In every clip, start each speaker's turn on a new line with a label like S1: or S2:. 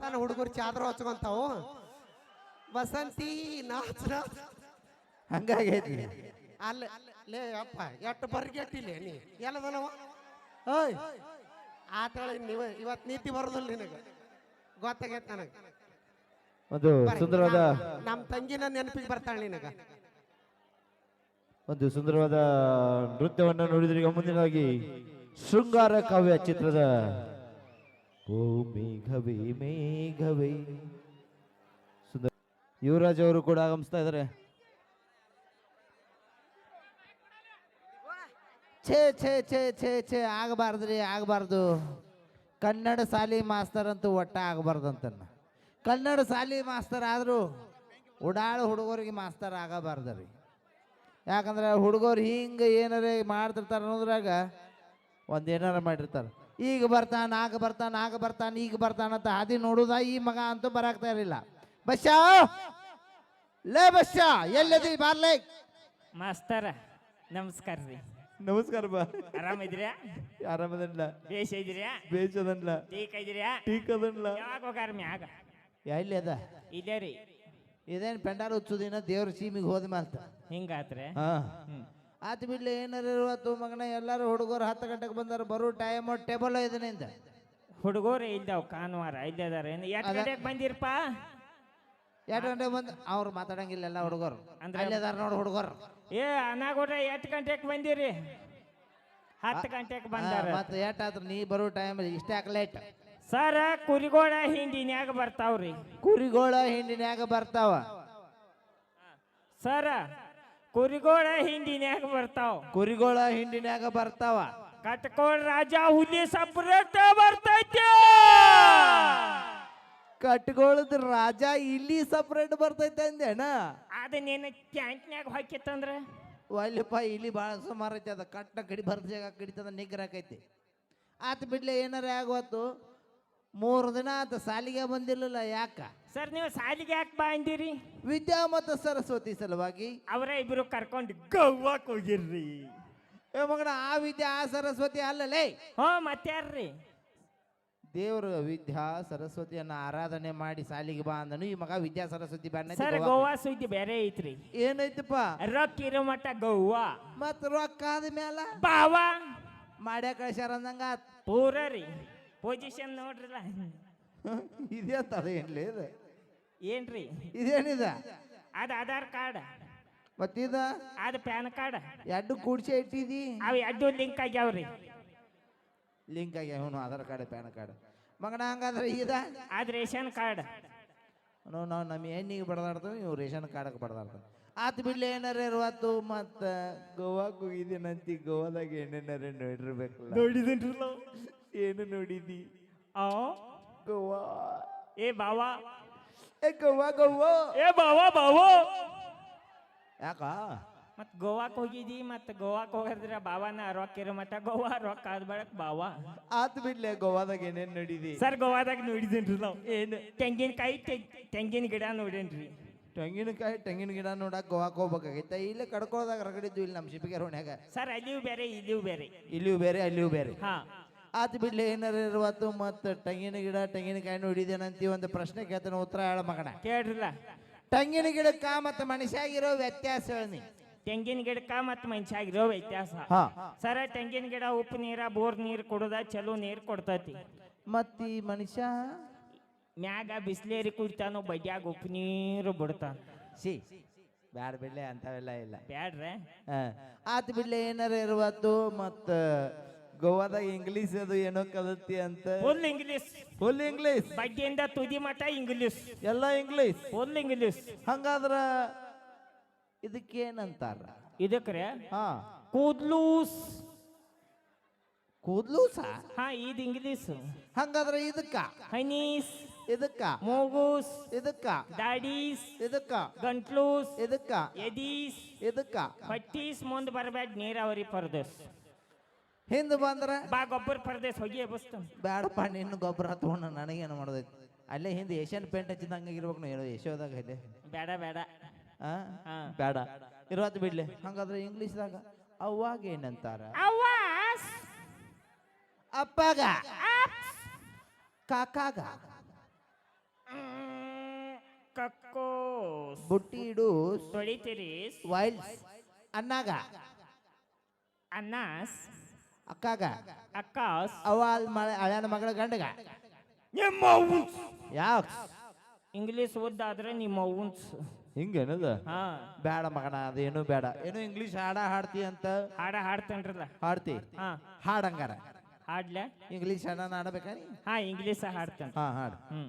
S1: ಬರ್ತಾನ ಹುಡುಗರು ಚಾದ್ರ ಹಚ್ಕೊಂತಾವು ಬಸಂತಿ ನಾಚ
S2: ಹಂಗಾಗೈತಿ.
S1: ಅಲ್ಲ ಲೇ ಅಪ್ಪ ಎಷ್ಟು ಬರ್ಗೆಟ್ಟಿಲ್ಲ ನೀ ಎಲ್ಲದನವ ಓಯ್ ಆತಳ ನೀವು ಇವತ್ತು ನೀತಿ ಬರೋದಿಲ್ಲ ನಿನಗೆ ಗೊತ್ತಾಗೈತೆ ನನಗೆ.
S2: ಒಂದು ಸುಂದರವಾದ
S1: ನಮ್ಮ ತಂಗಿನ ನೆನಪಿಗೆ ಬರ್ತಾಳೆ ನಿನಗ.
S2: ಒಂದು ಸುಂದರವಾದ ನೃತ್ಯವನ್ನು ನೋಡಿದ್ರೆ ಈಗ ಮುಂದಿನದಾಗಿ ಶೃಂಗಾರ ಕಾವ್ಯ ಚಿತ್ರದ ಓ ಮೇಘವೇ ಮೇಘವೇ ಸುಂದರ ಯುವರಾಜ್ ಅವರು ಕೂಡ ಆಗಮಿಸ್ತಾ ಇದ್ದಾರೆ. ಛೇ ಛೇ ಛೇ ಛೇ ಛೇ ಆಗಬಾರ್ದ್ರಿ ಆಗಬಾರ್ದು. ಕನ್ನಡ ಶಾಲಿ ಮಾಸ್ತರ್ ಅಂತೂ ಒಟ್ಟ ಆಗಬಾರ್ದಂತ. ಕನ್ನಡ ಶಾಲಿ ಮಾಸ್ತರ್ ಆದರೂ ಉಡಾಳು ಹುಡುಗರಿಗೆ ಮಾಸ್ತರ್ ಆಗಬಾರ್ದ್ರಿ. ಯಾಕಂದ್ರೆ ಹುಡುಗರು ಹಿಂಗೆ ಏನಾರೇ ಮಾಡ್ತಿರ್ತಾರೆ ಅನ್ನೋದ್ರಾಗ ಒಂದು ಏನಾರ ಮಾಡಿರ್ತಾರೆ. ಈಗ ಬರ್ತಾನೆ ಆಗ ಬರ್ತಾನೆ ಆಗ ಬರ್ತಾನೆ ಈಗ ಬರ್ತಾನಂತ ಹಾದಿ ನೋಡುದ ಈ ಮಗ ಅಂತೂ ಬರಾಕ್ತಾ ಇರಲಿಲ್ಲ. ಬಸ್ಸಾ ಲೇ ಬಸ್ಸಾ ಎಲ್ಲದಿ ಬಾರ್ಲೇ
S3: ಮಾಸ್ತರ ನಮಸ್ಕಾರ ರೀ.
S2: ನಮಸ್ಕಾರ ಬಾ.
S3: ಆರಾಮಿದ್ರ್ಯಾ?
S2: ಆರಾಮದನ್ಲ
S3: ಬೇಷ ಇದ್ರ್ಯಾ?
S2: ಬೇಜದನ್ಲ
S3: ಟೀಕ್ ಇದ್ರ್ಯಾ?
S2: ಟೀಕದನ್ಲ
S3: ಯಾವಾಗ ಹೋಗಾರ ಮ್ಯಾಗ?
S2: ಎಲ್ಲಿ ಅದ
S3: ಇಲ್ಲೇ ರೀ.
S2: ಇದೇನು ಪೆಂಡಾಲ್ ಹುಚ್ಚುದಿನ ದೇವ್ರ ಸೀಮಿಗೆ ಹೋದ ಮಾಲ್ತ
S3: ಹಿಂಗಾತ್ರೆ
S2: ಹಾ ಆತ ಬಿಡ್ಲಿ ಏನಾರ ಇವತ್ತು ಮಗನ ಎಲ್ಲರೂ ಹುಡುಗರು 10 ಗಂಟೆಗೆ ಬಂದಾರ ಬರೋ ಟೈಮ್ ಟೇಬಲ್ ಇದನಿಂದ
S3: ಹುಡುಗರು ಇದ್ದಾವ ಕಾನ್ವಾರ ಇಲ್ಲದಾರ. ಎಷ್ಟು ಗಂಟೆಗೆ ಬಂದಿರಪ್ಪ?
S2: 2 ಗಂಟೆಗೆ ಬಂದು ಅವ್ರು ಮಾತಾಡಂಗಿಲ್ಲ ಎಲ್ಲ ಹುಡುಗರು
S3: ಅಂದ್ರೆ
S2: ಅಲ್ಲಿದಾರ ನೋಡು ಹುಡುಗರು.
S3: ಏ ಅನಾಗೋಡ್ರೆ ಎಷ್ಟು ಗಂಟೆಗೆ ಬಂದಿರಿ? 10 ಗಂಟೆಗೆ ಬಂದಾರ.
S2: ಮತ್ತೆ ಎಷ್ಟಾದ್ರು ನೀ ಬರೋ ಟೈಮ್ ಇಷ್ಟೇ ಲೇಟ್.
S3: ಸರ ಕುರಿಗೋಳ ಹಿಂಡಿನ್ಯಾಗ ಬರ್ತಾವ್ರಿ.
S2: ಕುರಿಗೋಳ ಹಿಂಡಿನ್ಯಾಗ ಬರ್ತಾವ.
S3: ಸರ ಕುರಿಗೋಳ ಹಿಂಡಿನ್ಯಾಗ ಬರ್ತಾವ.
S2: ಕುರಿಗೋಳ ಹಿಂಡಿನ್ಯಾಗ ಬರ್ತಾವ.
S3: ಕಟ್ಕೋಳ ರಾಜ ಹುಲಿ ಸಪ್ರೇಟ್ ಬರ್ತೈತೆ.
S2: ಕಟ್ಗೋಳದ ರಾಜ ಇಲ್ಲಿ ಸಪ್ರೇಟ್ ಬರ್ತೈತೆ ಅಂದೇನ?
S3: ಅದನ್ನೇನು ಕ್ಯಾಂಟ್ನ್ಯಾಗ ಹಾಕಿತ್ತಂದ್ರ
S2: ಒಲ್ಲಪ್ಪ ಇಲ್ಲಿ ಭಾಳ ಸುಮಾರು ಐತೆ. ಅದ ಕಟ್ಟ ಕಡಿ ಬರ್ಜಾಗ ಕಡಿತದ ನಿಗ್ರಾಕೈತಿ. ಆತ ಬಿಡ್ಲೆ ಏನಾರ ಆಗೋತು 3 ದಿನ ಆತ ಸಾಲಿಗೆ ಬಂದಿರಲಿಲ್ಲ. ಯಾಕ
S3: ಸರ್ ನೀವು ಸಾಲಿಗೆ ಯಾಕೆ ಬಾ ಅಂದಿರಿ?
S2: ವಿದ್ಯಾ ಮತ್ತು ಸರಸ್ವತಿ ಸಲುವಾಗಿ
S3: ಅವರ ಇಬ್ರು ಕರ್ಕೊಂಡು ಗೋವಾಕ್ ಹೋಗಿರ್ರಿ.
S2: ಏ ಮಗನ ಆ ವಿದ್ಯಾ ಆ ಸರಸ್ವತಿ ಅಲ್ಲಲೇ.
S3: ಹ್ಞೂ ಮತ್ತಾರ್ರಿ?
S2: ದೇವರು ವಿದ್ಯಾ ಸರಸ್ವತಿಯನ್ನ ಆರಾಧನೆ ಮಾಡಿ ಸಾಲಿಗೆ ಬಾ ಅಂದನು. ಈ ಮಗ ವಿದ್ಯಾ ಸರಸ್ವತಿ ಬ್ಯಾಡ.
S3: ಸರ್ ಗೋವಾ ಸುದ್ದಿ ಬೇರೆ ಐತ್ರಿ.
S2: ಏನೈತಪ್ಪ?
S3: ರೊಕ್ಕ ಇರೋ ಮಟ್ಟ ಗೋವಾ
S2: ಮತ್ ರೊಕ್ಕ ಆದ ಮ್ಯಾಲ
S3: ಬಾವಾ
S2: ಮಾಡ್ಯಾ ಕಳ್ಸ್ಯಾರ ಅಂದಂಗ
S3: ಪೂರ ರೀ. ಪೊಸಿಷನ್ ನೋಡ್ರಲ್ಲ
S2: ಇದೇ ಅಂತ ಏನ್ಲಿ ಇದು?
S3: ಏನ್ರಿ
S2: ಇದೇನಿದ?
S3: ಅದು ಆಧಾರ್ ಕಾರ್ಡ್
S2: ಮತ್ತಿದ
S3: ಅದು ಪ್ಯಾನ್ ಕಾರ್ಡ್
S2: ಎರಡು ಕೂಡ್ಸೆ ಇಟ್ಟಿದಿ.
S3: ಅವು ಎರಡು ಲಿಂಕ್ ಆಗ್ಯಾವ್ರಿ.
S2: ಲಿಂಕ್ ಆಗ್ಯಾವ ಇವನು ಆಧಾರ್ ಕಾರ್ಡ್ ಪ್ಯಾನ್ ಕಾರ್ಡ್. ಮಗನ ಹಂಗಾದ್ರೆ ಇದ
S3: ಅದು ರೇಷನ್ ಕಾರ್ಡ್.
S2: ನಾವು ನಮ್ಮ ಹೆಣ್ಣಿಗೆ ಬಡದಾಡ್ತೇವೆ, ಇವು ರೇಷನ್ ಕಾರ್ಡಕ್ಕೆ ಬಡದಾಡ್ತೇವೆ. ಆತ ಬಿಡ್ಲಿ ಏನಾರ ಇರುವತ್ತು. ಮತ್ತ ಗೋವಾಕ್ ಹೋಗಿದ್ದೀನಂತಿ. ಗೋವಾದಾಗ ಏನೇನಾರ ನೋಡಿರ್ಬೇಕಲ್ಲ.
S3: ನೋಡಿದ್ರಲ್ಲ?
S2: ಏನು ನೋಡಿದಿ?
S3: ಆ
S2: ಗೋವಾ.
S3: ಏ ಬಾವಾ,
S2: ಏ ಗೋವಾ ಗೋವಾ.
S3: ಏ ಬಾವಾ ಬಾವಾ.
S2: ಯಾಕ
S3: ಮತ್ ಗೋವಾಕ್ ಹೋಗಿದಿ. ಮತ್ ಗೋವಾಕ್ ಹೋಗಿದ್ರ ಬಾವಾನ ರೊಕ್ಕ ಇರೋ ಮಟ್ಟ ಗೋವಾ, ರೊಕ್ಕ ಆದ ಬಳಕ್ ಬಾವಾ.
S2: ಆತ ಬಿಡ್ಲೆ ಗೋವಾದಾಗ ಏನೇನ್ ನೋಡಿದಿ?
S3: ಸರ್ ಗೋವಾದಾಗ ನೋಡಿದೇನ್ರಿ ನಾವು. ಏನು ತೆಂಗಿನಕಾಯಿ ತೆಂಗಿನ ಗಿಡ ನೋಡೇನ್ರಿ.
S2: ತೆಂಗಿನ ಗಿಡ ನೋಡಕ್ ಗೋವಾಕ್ ಹೋಗ್ಬೇಕಾಗೈತ. ಇಲ್ಲೇ ಕಡ್ಕೊಳ್ದಾಗ ರಗಡಿದ್ದು ಇಲ್ಲಿ ನಮ್ಮ ಶಿಪಿಗೆ ರೋಣ್ಯಾಗ.
S3: ಸರ್ ಅಲ್ಲಿಯೂ ಬೇರೆ ಇಲ್ಲಿಯೂ ಬೇರೆ.
S2: ಇಲ್ಲಿಯೂ ಬೇರೆ ಅಲ್ಲಿಯೂ ಬೇರೆ.
S3: ಹಾ
S2: ಆತ ಬಿಡ್ಲಿ ಏನಾರ ಇರುವತ್ತು. ಮತ್ತು ತೆಂಗಿನ ಗಿಡ ತೆಂಗಿನಕಾಯಿ ನೋಡಿದೇನಂತಿ ಒಂದು ಪ್ರಶ್ನೆ ಕೇಳ್ತಾನೆ, ಉತ್ತರ ಹೇಳ ಮಗನ.
S3: ಕೇಳ್ರಲ್ಲ.
S2: ತೆಂಗಿನ ಗಿಡಕ್ಕ ಮತ್ತು ಮನುಷ್ಯಾಗಿರೋ ವ್ಯತ್ಯಾಸ ಹೇಳಿ.
S3: ತೆಂಗಿನ ಗಿಡಕ್ಕ ಮತ್ತು ಮನುಷ್ಯಾಗಿರೋ ವ್ಯತ್ಯಾಸ. ಸರ ತೆಂಗಿನ ಗಿಡ ಉಪ್ಪು ನೀರ ಬೋರ್ ನೀರು ಕೊಡುದ ಚಲೋ ನೀರು ಕೊಡ್ತೈತಿ.
S2: ಮತ್ತಿ ಮನುಷ್ಯ
S3: ಮ್ಯಾಗ ಬಿಸ್ಲೇರಿ ಕುಡಿತಾನೋ ಬಡ್ಯಾಗ ಉಪ್ಪು ನೀರು ಬಿಡ್ತಾನ.
S2: ಬ್ಯಾಡ ಬಿಡ್ಲೆ ಅಂತವೆಲ್ಲ ಇಲ್ಲ.
S3: ಬ್ಯಾಡ್ರೆ.
S2: ಆತ ಬಿಡ್ಲೆ ಏನಾರ ಇರುವತ್ತು. ಮತ್ತ ಗೋವಾದಾಗ ಇಂಗ್ಲೀಷ್ ಅದು ಏನೋ ಕಲತಿ ಅಂತ.
S3: Full English.
S2: Full English.
S3: ಬಡ್ಡಿಯಿಂದ ತುದಿ ಮಠ ಇಂಗ್ಲಿಷ್.
S2: ಎಲ್ಲ ಇಂಗ್ಲೀಷ್.
S3: Full English.
S2: ಹಂಗಾದ್ರ ಇದಕ್ಕೇನಂತಾರ?
S3: ಇದಕ್ರೆ
S2: ಹಾ
S3: ಕೂದ್ಲೂಸ್.
S2: ಕೂದ್ಲೂಸ?
S3: ಹಾ ಇದು ಇಂಗ್ಲಿಷ್.
S2: ಹಂಗಾದ್ರ ಇದಕ್ಕ
S3: ಹನೀಸ್.
S2: ಇದಕ್ಕ
S3: ಮೂಗೂಸ್.
S2: ಇದಕ್ಕ
S3: ದಾಡೀಸ್.
S2: ಇದಕ್ಕ
S3: ಗಂಟ್ಲೂಸ್.
S2: ಇದಕ್ಕ
S3: ಎದೀಸ್.
S2: ಇದಕ್ಕ
S3: ಪಟ್ಟೀಸ್ ಮುಂದ್ ಬರಬೇಡ. ನೀರಾವರಿ ಪರದೇಶ್.
S2: ಹಿಂದ್ ಬಂದ್ರ
S3: ಬಾ ಗೊಬ್ಬರ ಪರದೇಶ್ ಹೋಗಿ ಬಸ್ತ.
S2: ಬೇಡಪ್ಪ ನಿನ್ನ ಗೊಬ್ಬರ ತಗೊಂಡು ನನಗೇನು ಮಾಡೋದೈತಿ? ಅಲ್ಲೇ ಹಿಂದೆ ಏಷ್ಯನ್ ಪೇಂಟ್ ಹಚ್ಚಿದ ಹಂಗಿರ್ಬೇಕು. ಏನೋ ಯಶೋದಾಗ ಇದೆ.
S3: ಬೇಡ ಬೇಡ.
S2: ಬೇಡ ಇರೋದು ಬಿಡ್ಲಿ. ಹಂಗಾದ್ರೆ ಇಂಗ್ಲೀಷ್ದಾಗ ಅವಾಗ ಏನಂತಾರ?
S3: ಅವಾಸ್.
S2: ಅಪ್ಪಗ. ಕಾಕಾಗ.
S3: ಕಕ್ಕೋಸ್
S2: ಬುಟ್ಟಿ ಇಡೂಸ್
S3: ತೊಳಿತಿರೀಸ್
S2: ವೈಲ್ಸ್ ಅನ್ನಾಗ
S3: ಅನ್ನಾಸ್
S2: ಅಕ್ಕಾಗ
S3: ಅಕ್ಕಾಸ್
S2: ಅವಾಲ್ ಮಳೆ ಹಳ್ಯಾನ ಮಗಳ ಗಂಡಗ
S3: ನಿಮ್ಮ
S2: ಯಾವ
S3: ಇಂಗ್ಲೀಷ್ ಓದಾದ್ರೆ ನಿಮ್ಮ ಅವ್ವನ್ಸ್
S2: ಹಿಂಗೇನದ
S3: ಹಾ
S2: ಬೇಡ ಮಗನ ಅದೇನು ಬೇಡ ಏನು ಇಂಗ್ಲೀಷ್ ಹಾಡ್ತಿ ಅಂತ
S3: ಹಾಡ್ತೇನ್ರಲ್ಲ
S2: ಹಾಡ್ತಿ
S3: ಹಾ
S2: ಹಾಡಂಗಾರ
S3: ಹಾಡ್ಲ
S2: ಇಂಗ್ಲೀಷ್ ಹಾಡನ ಹಾಡಬೇಕಾ ನೀ
S3: ಹಾ ಇಂಗ್ಲೀಷ್ ಹಾಡ್ತೇನೆ
S2: ಹಾ ಹಾಡು
S3: ಹ್ಮ್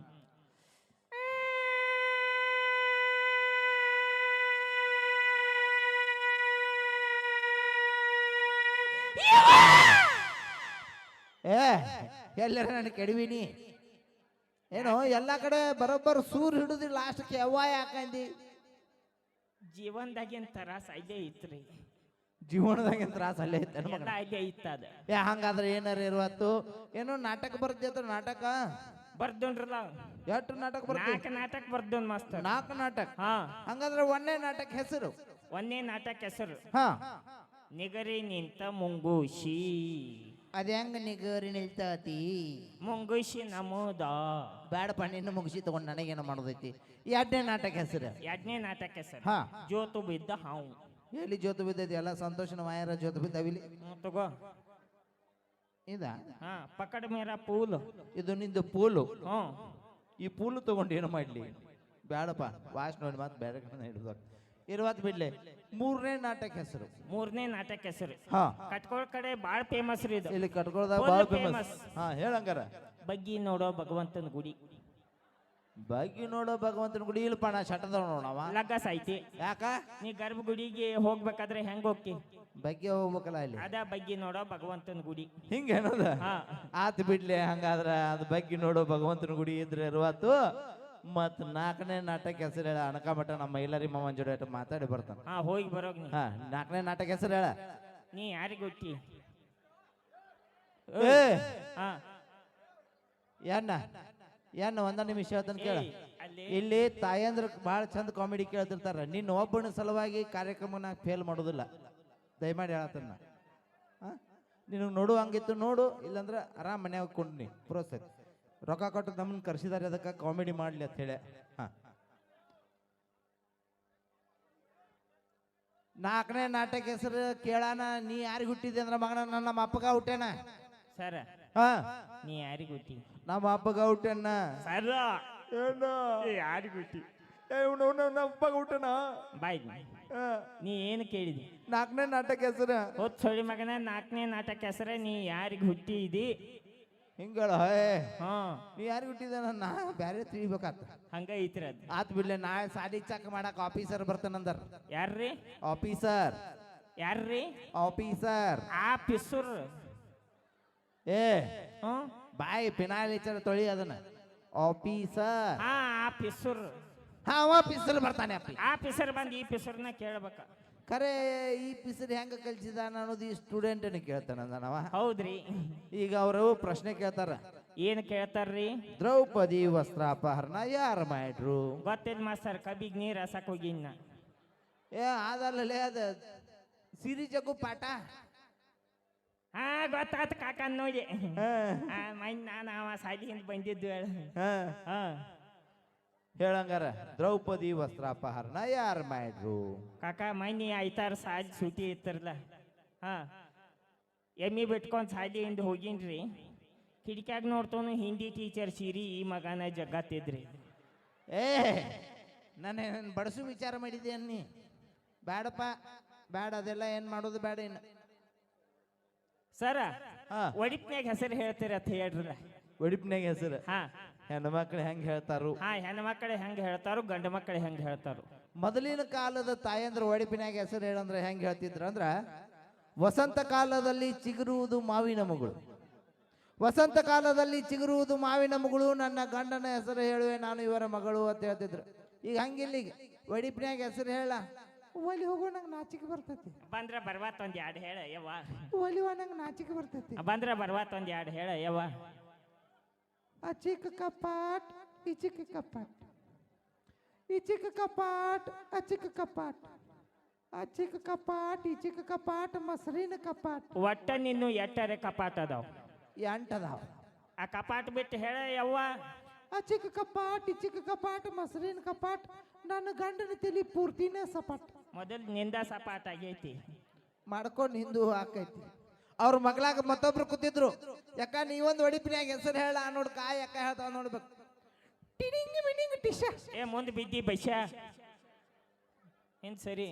S2: ಏ ಎಲ್ಲರ ನಾನು ಕೆಡವಿನಿ ಏನು ಎಲ್ಲ ಕಡೆ ಬರೋಬ್ಬರ ಸೂರ್ ಹಿಡಿದು ಲಾಸ್ಟ್ಗೆ ಯವ್ವ ಯಾಕಂದಿ
S3: ಜೀವನದಾಗಿನ ತರಾಸ ಅಲ್ಲೇ ಐತ್ರಿ
S2: ಜೀವನದಾಗಿನ ತ್ರಾಸ ಅಲ್ಲೇ ಐತೆ
S3: ಎಲ್ಲ ಅಲ್ಲೇ ಐತದ
S2: ಏ ಹಂಗಾದ್ರೆ ಏನಾರ ಇರುವತ್ತು ಏನೋ ನಾಟಕ ಬರ್ತಿತ್ತು ನಾಟಕ
S3: ಬರ್ದೋನ್ರಲ್ಲ
S2: ಎಷ್ಟು ನಾಟಕ ಬರ್ತಿ
S3: 4 ನಾಟಕ ಬರ್ದೋನ್ ಮಾಸ್ತರ್
S2: 4 ನಾಟಕ
S3: ಹಾ
S2: ಹಂಗಾದ್ರೆ ಒಂದೇ ನಾಟಕ ಹೆಸರು
S3: ಒಂದೇ ನಾಟಕ ಹೆಸರು
S2: ಹಾ
S3: ನಿಗರಿ ನಿಂತ ಮುಂಗೂಶಿ
S2: ಅದ ಹೆಂಗ ನಿಗರಿ ನಿಲ್ತತಿ
S3: ಮುಂಗೂಶಿ ನಮೋದ
S2: ಬೇಡಪ್ಪ ನಿನ್ನ ಮುಗಿಸಿ ತಗೊಂಡು ನನಗೇನು ಮಾಡೋದೈತಿ ಎರಡನೇ ನಾಟಕ ಹೆಸರು
S3: ಎರಡನೇ ನಾಟಕ ಹೆಸರು
S2: ಹಾ
S3: ಜೋತು ಬಿದ್ದ ಹಾವು
S2: ಎಲ್ಲಿ ಜೋತು ಬಿದ್ದೈತಿ ಎಲ್ಲ ಸಂತೋಷನ ಮಾಯರ ಜೋತು ಬಿದ್ದಾವಿಲಿ
S3: ತಗೋ
S2: ಇದ
S3: ಹಾ ಪಕಡ್ ಮೇರಾ ಪೂಲ್
S2: ಇದು ನಿಂದು ಪೂಲು
S3: ಹ್ಮ್
S2: ಈ ಪೂಲು ತಗೊಂಡು ಏನು ಮಾಡ್ಲಿ ಬೇಡಪ್ಪ ವಾಶ್ ನೋಡಿ ಮತ್ತೆ ಬೇರೆ ಕಡೆ ಹಿಡಿದ ಇರುವತ್ ಬಿಡ್ಲಿ ಮೂರನೇ ನಾಟಕ ಹೆಸರು
S3: ಮೂರನೇ ನಾಟಕ ಹೆಸರು
S2: ಹಾ
S3: ಕಟ್ಕೊಳ್ ಕಡೆ ಬಾಳ ಫೇಮಸ್ ರೀ ಇದು
S2: ಇಲ್ಲಿ ಕಟ್ಕೊಳ್ದಾಗ
S3: Full
S2: ಭಾಳ
S3: famous.
S2: ಫೇಮಸ್ ಹಾ ಹೇಳಂಗಾರ
S3: ಬಗ್ಗಿ ನೋಡೋ ಭಗವಂತನ ಗುಡಿ
S2: ಬಗ್ಗೆ ನೋಡೋ ಭಗವಂತನ ಗುಡಿ ಇಲ್ಲಪ್ಪ ನಾ ಶಟದ ನೋಡವ
S3: ಲಗ್ಗಸ್ ಐತಿ
S2: ಯಾಕ
S3: ನೀ ಗರ್ಭಗುಡಿಗೆ ಹೋಗ್ಬೇಕಾದ್ರೆ ಹೆಂಗ್ ಹೋಗ್ತಿ
S2: ಬಗ್ಗೆ ಹೋಗ್ಬೇಕಲ್ಲ ಇಲ್ಲಿ
S3: ಅದ ಬಗ್ಗಿ ನೋಡೋ ಭಗವಂತನ ಗುಡಿ
S2: ಹಿಂಗೇನದ
S3: ಹಾ
S2: ಆತ್ ಬಿಡ್ಲಿ ಹಂಗಾದ್ರ ಅದು ಬಗ್ಗೆ ನೋಡೋ ಭಗವಂತನ ಗುಡಿ ಇದ್ರೆ ಇರುವತ್ತು ಮತ್ 4ನೇ ನಾಟಕ ಹೆಸರು ಹೇಳ ಅಣಕಾಮಠ ನಮ್ಮ ಮೈಲಾರಿ ಮಾವನ್ ಜೋಡಿ ಮಾತಾಡಿ ಬರ್ತಾನ
S3: ಹಾ ಹೋಗಿ ಬರೋಗ್ ನೀ
S2: ಹಾ 4ನೇ ನಾಟಕ ಹೆಸರು ಹೇಳ
S3: ನೀ ಯಾರಿಗ್ ಗೊತ್ತಿ
S2: ಏ
S3: ಹಾ
S2: ಏನ ಒಂದ ನಿಮಿಷ ಹೇಳ್ತಾನೆ ಕೇಳ
S3: ಏಯ್, ಅಲ್ಲಿ
S2: ಇಲ್ಲಿ ತಾಯಂದ್ರ ಬಹಳ ಚಂದ ಕಾಮಿಡಿ ಕೇಳ್ತಿರ್ತಾರ ನಿನ್ನ ಒಬ್ಬನ ಸಲುವಾಗಿ ಕಾರ್ಯಕ್ರಮ ನಾ ಫೇಲ್ ಮಾಡೋದಿಲ್ಲ ದಯಮಾಡಿ ಹೇಳತ್ತನ್ನ ನಿನಗೆ ನೋಡು ಹಂಗಿತ್ತು ನೋಡು ಇಲ್ಲಾಂದ್ರೆ ಆರಾಮ್ ಮನ್ಯಾಗ ಕೊಂಡ್ನಿ ಪ್ರೋತ್ಸಾಹ ರೊಕ್ಕ ಕೊಟ್ಟು ನಮ್ಮನ್ನ ಕರ್ಸಿದಾರೆ ಅದಕ್ಕೆ ಕಾಮಿಡಿ ಮಾಡ್ಲಿ ಅಂತ ಹೇಳಿ ಹಾ 4ನೇ ನಾಟಕ ಹೆಸರು ಕೇಳಾನ ನೀ ಯಾರಿಗೆ ಹುಟ್ಟಿದೆ ಅಂದ್ರ ಮಗನ ನಮ್ಮ ಅಪ್ಪಗ ಹುಟ್ಟೇನ
S3: ಸರ
S2: ಹಾ
S3: ನೀ ಯಾರಿಗ್ ಗೊತ್ತಿ
S2: ನಮ್ಮ ಅಪ್ಪಗ ಹುಟ್ಟೇನ
S3: ಸರ
S2: ಏನ
S3: ಯಾರಿಗ್ ಗೊತ್ತಿ
S2: ನಮ್ಮ ಅಪ್ಪಗ ಹುಟ್ಟೇನ
S3: ಬಾಯ್ ನೀ ಏನು ಕೇಳಿದಿ
S2: 4ನೇ ನಾಟಕ ಹೆಸರು
S3: ಹೋದ್ ಸೊಳಿ ಮಗನ 4ನೇ ನಾಟಕ ಹೆಸರ ನೀ ಯಾರಿಗ್ ಹುಟ್ಟಿದಿ
S2: ಹಿಂಗಳ
S3: ಹಾ
S2: ನೀ ಯಾರಿಗೆ ಹುಟ್ಟಿದ ನಾ ಬ್ಯಾರೆ ತಿಳಿಬೇಕಾತ
S3: ಹಂಗ ಐತ್ರಿ ಅದ್
S2: ಆತ್ ಬಿಡ್ಲೆ ನಾಳೆ ಸಾಲಿ ಚೆಕ್ ಮಾಡಕ್ ಆಫೀಸರ್ ಬರ್ತಾನಂದರ್
S3: ಯಾರ್ರಿ
S2: ಆಫೀಸರ್
S3: ಯಾರ್ರಿ
S2: ಆಫೀಸರ್
S3: ಆ ಪಿಸುರ್
S2: ಏ
S3: ಹ್ಮ್
S2: ಬಾಯಿ ಪಿನಾಯಿಲ್ ಹಚ್ಚರ ತೊಳಿ ಅದನ್ನ ಆಫೀಸರ್
S3: ಹಾ ಆ ಪಿಸುರ್
S2: ಹಾ ಅವ ಆಫೀಸರ್ ಬರ್ತಾನೆ ಅಪ್ಪಿ
S3: ಆ ಪಿಸರ್ ಬಂದ್ ಈ ಪಿಸರ್ನ ಕೇಳ್ಬೇಕ
S2: ಖರೆ ಈ ಪಿಸರ್ ಹೆಂಗ ಕಲ್ಸಿದಾನ ಅನ್ನೋದು ಈ ಸ್ಟೂಡೆಂಟ್ ಕೇಳ್ತಾನಂದನವ
S3: ಹೌದ್ರಿ
S2: ಈಗ ಅವರು ಪ್ರಶ್ನೆ ಕೇಳ್ತಾರ
S3: ಏನ್ ಕೇಳ್ತಾರ್ರಿ
S2: ದ್ರೌಪದಿ ವಸ್ತ್ರಾಪಹರಣ ಯಾರು ಮಾಡ್ರು
S3: ಗೊತ್ತಿಲ್ಲ ಮಾಸ್ತರ್ ಕಬಿಗ್ ನೀರ್ ಹಸಕ್ ಹೋಗಿನ್ನ
S2: ಏ ಅದಲ್ಲೇ ಅದ ಸಿರಿ ಜಗ್ಗು ಪಾಠ
S3: ಹಾ ಗೊತ್ತಾತ ಕಾಕನ್ ನೋಡಿ
S2: ಹಾ,
S3: ಮೈನ್ ನಾನು ಅವ ಸಾಲಿಯಿಂದ ಬಂದಿದ್ದು ಹೇಳ
S2: ಹಾ.
S3: ಹಾ
S2: ಹೇಳಂಗಾರ ದ್ರೌಪದಿ ವಸ್ತ್ರಾಪಹರಣ ಯಾರು ಮಾಡ್ರು
S3: ಕಾಕ ಮೈನಿ ಐತಾರ ಸಾಲಿ ಸೂಟಿ ಇತ್ತರಲ್ಲ ಹಾ ಎಮ್ಮಿ ಬಿಟ್ಕೊಂಡ್ ಸಾಲಿಯಿಂದ ಹೋಗಿನ್ರಿ ಕಿಡಿಕ್ಯಾಗ ನೋಡ್ತೋನು ಹಿಂದಿ ಟೀಚರ್ ಸೀರಿ ಈ ಮಗನ ಜಗತ್ತಿದ್ರಿ
S2: ಏ ನಾನು ಬಡಸು ವಿಚಾರ ಮಾಡಿದ್ದೆ ಅನ್ನಿ ಬೇಡಪ್ಪ ಬೇಡ ಅದೆಲ್ಲ ಏನ್ ಮಾಡೋದು ಬೇಡ ಇನ್ನು
S3: ಸರ
S2: ಹಾ
S3: ಒಡಿಪ್ನ್ಯಾಗ ಹೆಸರು ಹೇಳ್ತೀರ ಅಂತ ಹೇಳ್ರಲ್ಲ
S2: ಒಡಿಪ್ನಾಗ ಹೆಸರು
S3: ಹಾ
S2: ಹೆಣ್ಮಕ್ಳು ಹೆಂಗ್ ಹೇಳ್ತಾರು
S3: ಹಾ ಹೆಣ್ಣು ಮಕ್ಕಳು ಹೆಂಗ್ ಹೇಳ್ತಾರೋ ಗಂಡು ಮಕ್ಕಳು ಹೆಂಗ್ ಹೇಳ್ತಾರೋ
S2: ಮೊದಲಿನ ಕಾಲದ ತಾಯಂದ್ರ ಒಡಿಪಿನಾಗ ಹೆಸರು ಹೇಳಂದ್ರೆ ಹೆಂಗ್ ಹೇಳ್ತಿದ್ರು ಅಂದ್ರ ವಸಂತ ಕಾಲದಲ್ಲಿ ಚಿಗುರುವುದು ಮಾವಿನ ಮಗಳು ವಸಂತ ಕಾಲದಲ್ಲಿ ಚಿಗುರುವುದು ಮಾವಿನ ಮಗಳು ನನ್ನ ಗಂಡನ ಹೆಸರು ಹೇಳುವೆ ನಾನು ಇವರ ಮಗಳು ಅಂತ ಹೇಳ್ತಿದ್ರು ಈಗ ಹಂಗಿಲ್ಲ ಈಗ ಒಡಿಪಿನಾಗ ಹೆಸರು ಹೇಳ ಒಲಿ ಹೋಗೋ ನಂಗೆ ನಾಚಿಕೆ ಬರ್ತೈತಿ
S3: ಬಂದ್ರ ಬರ್ವಾತ್ ಒಂದ್ ಎರಡು ಹೇಳ ಯವ್ವ
S2: ಒಲಿವ ನಂಗೆ ನಾಚಿಕೆ ಬರ್ತೈತಿ
S3: ಬಂದ್ರ ಬರ್ವಾತ್ ಒಂದ್ ಎರಡು ಹೇಳ ಯವ್ವ
S2: ಆ ಚಿಕ್ಕ ಕಪಾಟ್ ಈ ಚಿಕ್ಕ ಕಪಾಟ್ ಈ ಚಿಕ್ಕ ಕಪಾಟ್ ಆ ಚಿಕ್ಕ ಕಪಾಟ್ ಆ ಚಿಕ್ಕ ಕಪಾಟ್ ಈ ಚಿಕ್ಕ ಕಪಾಟ್ ಮೊಸರಿನ ಕಪಾಟ್
S3: ಒಟ್ಟ ನಿನ್ನು ಎಟ್ಟರೆ ಕಪಾಟ್ ಅದಾವ
S2: ಎಂಟದಾವ
S3: ಆ ಕಪಾಟ್ ಬಿಟ್ಟು ಹೇಳ ಯವ್ವ
S2: ಆ ಚಿಕ್ಕ ಕಪಾಟ್ ಈ ಚಿಕ್ಕ ಕಪಾಟ್ ಮೊಸರಿನ ಕಪಾಟ್ ನನ್ನ ಗಂಡನ ತಲಿ ಪೂರ್ತಿನೇ ಸಪಾಟ್
S3: ಮೊದಲು ನಿಂದ ಸಪಾಟ್ ಆಗೈತಿ
S2: ಮಾಡ್ಕೊಂಡು ಹಿಂದೂ ಹಾಕೈತಿ ಅವ್ರ ಮಗಳಾಗ ಮತ್ತೊಬ್ರು ಕೂತಿದ್ರು ಯಾಕ ನೀವೊಂದು ಒಡಿಪಿನ್ಯಾಗ ಹೆಸರು ಹೇಳ ನೋಡ್ ಕಾಯ್ ಯಾಕ ಹೇಳ್ತಾವ ನೋಡ್ಬೇಕು ಟಿಡಿಂಗ್ ಮಿನಿಂಗ್ ಟಿಶ
S3: ಏ ಮುಂದೆ ಬಿದ್ದಿ ಬೈಶ ಏನ್ ಸರಿ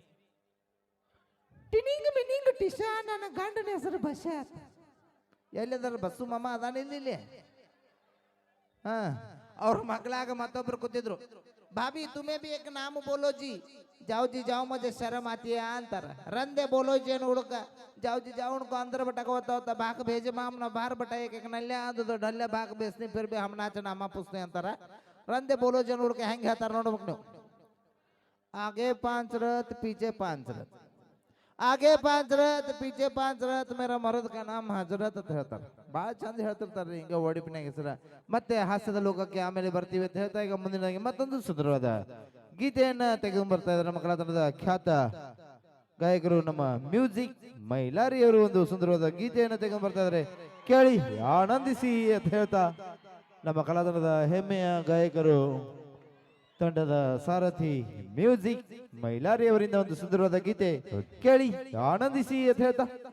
S2: ಟಿನಿಂಗ್ ಮಿನಿಂಗ್ ಟಿಶ ನನ್ನ ಗಂಡನ ಹೆಸರು ಬಸ್ಸ ಎಲ್ಲಿದಾರ ಬಸ್ಸು ಮಾಮ ಅದಾನ ಇಲ್ಲಿ ಹಾ ಅವ್ರ ಮಗಳಾಗ ಮತ್ತೊಬ್ರು ಕೂತಿದ್ರು ಭಾಬಿ ತುಮೇ ಬಿ ಏಕ್ ನಾಮ ಬೋಲೋ ಜಿ ಜಾವ್ ಮಜೆ ಶರಮ್ ಆತಿಯಾ ಅಂತಾರ ರಂದೆ ಬೋಲೋ ಜಿ ಏನು ಹುಡುಕ जाओ उनको अंदर बटा होता होता बाक भेजे माम ना बाहर बटा एक नल्ले आदो तो डल्ले बाक बेचने फिर भी हम नाच नामा पूछते अंतरा रंदे बोलो जन उड़ के ಹೆಂಗೆ ಹೇಳ್ತಾರ ನೋಡ್ಬೇಕು ನೀವು आगे 5 रथ पीछे 5 रथ आगे 5 रथ पीछे 5 रथ मेरा मर्द का नाम हजरत ಅಂತ ಹೇಳ್ತಾರ ಭಾಳ ಚಂದ ಹೇಳ್ತಿರ್ತಾರೆ ಹಿಂಗೆ ಓಡಿಪಿನಾಗ ಹೆಸರ ಮತ್ತೆ ಹಾಸ್ಯದ ಲೋಕಕ್ಕೆ ಆಮೇಲೆ ಬರ್ತೀವಿ ಅಂತ ಹೇಳ್ತಾ ಈಗ ಮುಂದಿನ ಮತ್ತೊಂದು ಸುಂದರವಾದ ಗೀತೆಯನ್ನ ತೆಗೆದುಕೊಂಡು ಬರ್ತಾ ಇದ್ದಾರೆ ಮಕ್ಕಳ ತಂಡದ ಖ್ಯಾತ ಗಾಯಕರು ನಮ್ಮ ಮ್ಯೂಸಿಕ್ ಮೈಲಾರಿಯವರು ಒಂದು ಸುಂದರವಾದ ಗೀತೆಯನ್ನು ತೆಗೆದು ಬರ್ತಾ ಇದ್ದಾರೆ ಕೇಳಿ ಆನಂದಿಸಿ ಅಂತ ಹೇಳ್ತಾ ನಮ್ಮ ಕಲಾತಂಡದ ಹೆಮ್ಮೆಯ ಗಾಯಕರು ತಂಡದ ಸಾರಥಿ ಮ್ಯೂಸಿಕ್ ಮೈಲಾರಿಯವರಿಂದ ಒಂದು ಸುಂದರವಾದ ಗೀತೆ ಕೇಳಿ ಆನಂದಿಸಿ ಅಂತ ಹೇಳ್ತಾ